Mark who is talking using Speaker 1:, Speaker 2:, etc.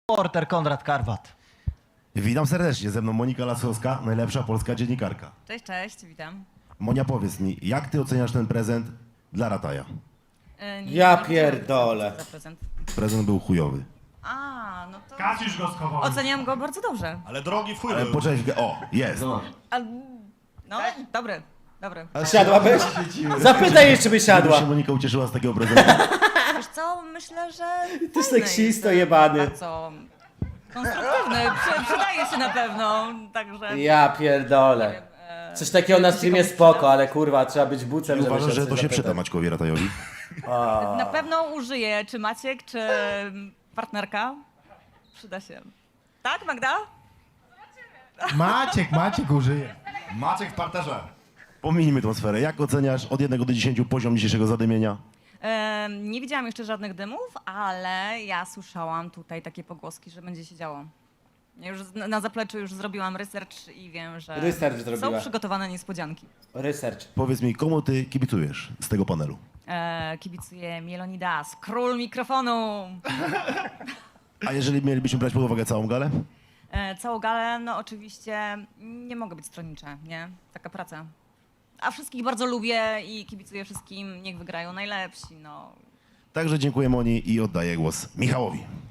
Speaker 1: Reporter Konrad Karwat.
Speaker 2: Witam serdecznie, ze mną Monika Lasowska, najlepsza polska dziennikarka.
Speaker 3: Cześć, cześć, witam.
Speaker 2: Monia, powiedz mi, jak ty oceniasz ten prezent dla Rataja?
Speaker 3: Nie
Speaker 4: pierdolę.
Speaker 3: za prezent.
Speaker 2: Prezent był chujowy.
Speaker 3: A, no to
Speaker 5: Kasiusz go schował.
Speaker 3: oceniam go bardzo dobrze.
Speaker 5: Ale drogi w chuj
Speaker 2: Ale
Speaker 5: był.
Speaker 2: poczekaj, o, jest.
Speaker 3: A, no, dobry, dobry.
Speaker 4: A siadłabyś? Zapytaj jej, czy by
Speaker 2: Jak
Speaker 4: siadła.
Speaker 2: się Monika ucieszyła z takiego prezentu?
Speaker 3: Wiesz co, myślę, że
Speaker 4: Ty
Speaker 3: fajny
Speaker 4: seksisto
Speaker 3: jest,
Speaker 4: jebany.
Speaker 3: bardzo konstruktywny, przydaje się na pewno, także...
Speaker 4: Ja pierdolę. Coś takiego na streamie spoko, ale kurwa, trzeba być bucem, żeby
Speaker 2: Uważasz, że to
Speaker 4: coś
Speaker 2: się przyda
Speaker 4: zapytać.
Speaker 2: Maćkowi Ratajowi?
Speaker 3: Na pewno użyję, czy Maciek, czy partnerka. Przyda się. Tak, Magda?
Speaker 5: Maciek użyje.
Speaker 6: Maciek w parterze.
Speaker 2: Pominijmy tą sferę. Jak oceniasz od 1 do 10 poziom dzisiejszego zadymienia?
Speaker 3: Nie widziałam jeszcze żadnych dymów, ale ja słyszałam tutaj takie pogłoski, że będzie się działo. Ja już na zapleczu już zrobiłam research i wiem, że
Speaker 4: Research zrobiła.
Speaker 3: są przygotowane niespodzianki.
Speaker 4: Research.
Speaker 2: Powiedz mi, komu ty kibicujesz z tego panelu?
Speaker 3: Kibicuję Mielonidas, król mikrofonu.
Speaker 2: A jeżeli mielibyśmy brać pod uwagę całą galę?
Speaker 3: Całą galę, no oczywiście nie mogę być stronnicza, nie? Taka praca. A wszystkich bardzo lubię i kibicuję wszystkim, niech wygrają najlepsi, no.
Speaker 2: Także dziękuję Moni i oddaję głos Michałowi.